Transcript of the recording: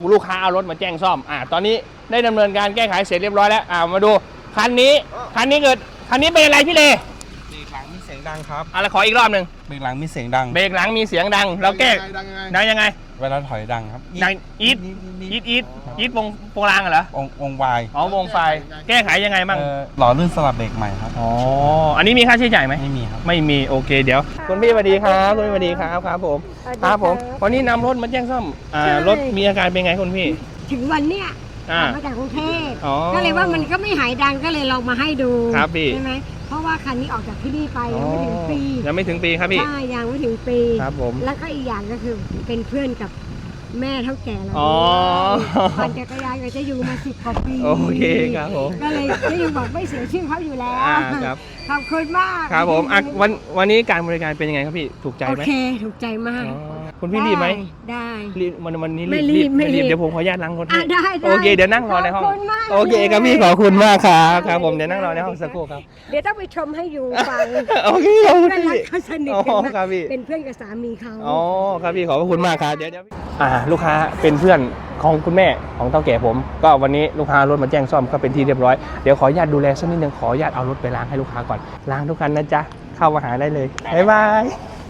ลูกค้าเอารถมาแจ้งซ่อมตอนนี้ได้ดำเนินการแก้ไขเสร็จเรียบร้อยแล้วมาดูคันนี้เป็นอะไรพี่เลเบรกหลังมีเสียงดังครับอะไรขออีกรอบหนึ่งเบรกหลังมีเสียงดังเบรกหลังมีเสียงดังเราแก้ดังยังไงเวลาถอยดังครับดังอีทวงรางเหรอวงวายวงไฟแก้ไขยังไงบ้างหล่อลื่นสลับเบรกใหม่ครับอันนี้มีค่าใช้จ่ายไหมไม่มีครับไม่มีโอเคเดี๋ยวคุณพี่สวัสดีครับคุณพี่สวัสดีครับผมวันนี้นำรถมาแจ้งซ่อมรถมีอาการเป็นไงคุณพี่ถึงวันเนี้ยมาจากกรุงเทพก็เลยว่ามันก็ไม่หายดังก็เลยลองมาให้ดูครับพี่ใช่ไหมเพราะว่าคันนี้ออกจากที่นี่ไปยังไม่ถึงปีครับพี่ใช่ยังไม่ถึงปีครับผมแล้วก็อีกอย่างก็คือเป็นเพื่อนกับแม่เท่าแก่เราปั่นจักรยานกับเจ๊ยูมา10 กว่าปีโอเคครับผมก็เลยเจ๊ยูบอกไม่เสียชื่อเขาอยู่แล้วครับขอบคุณมากครับผมวันนี้การบริการเป็นยังไงครับพี่ถูกใจไหมโอเคถูกใจมากคุณพี่รีบไหมได้รีบวันนี้รีบเดี๋ยวผมขออนุญาตล้างรถให้ได้โอเคเดี๋ยวนั่งรอในห้องโอเคครับพี่ขอบคุณมากครับผมเดี๋ยวนั่งรอในห้องสักครู่ครับเดี๋ยวต้องไปชมให้อยู่ฟังโอเคขอบคุณพี่เขาสนิทกันมากเป็นเพื่อนกับสามีเขาครับพี่ขอบคุณมากครับเดี๋ยวลูกค้าเป็นเพื่อนของคุณแม่ของเฒ่าแก่ผมก็วันนี้ลูกค้ารถมาแจ้งซ่อมก็เป็นที่เรียบร้อยเดี๋ยวขออนุญาตดูแลสักนิดนึงขออนุญาตเอารถไปล้างให้ลูกค้าก่อนล้างทุกคันนะจ๊ะเข้ามาหาได้เลยบ๊ายบาย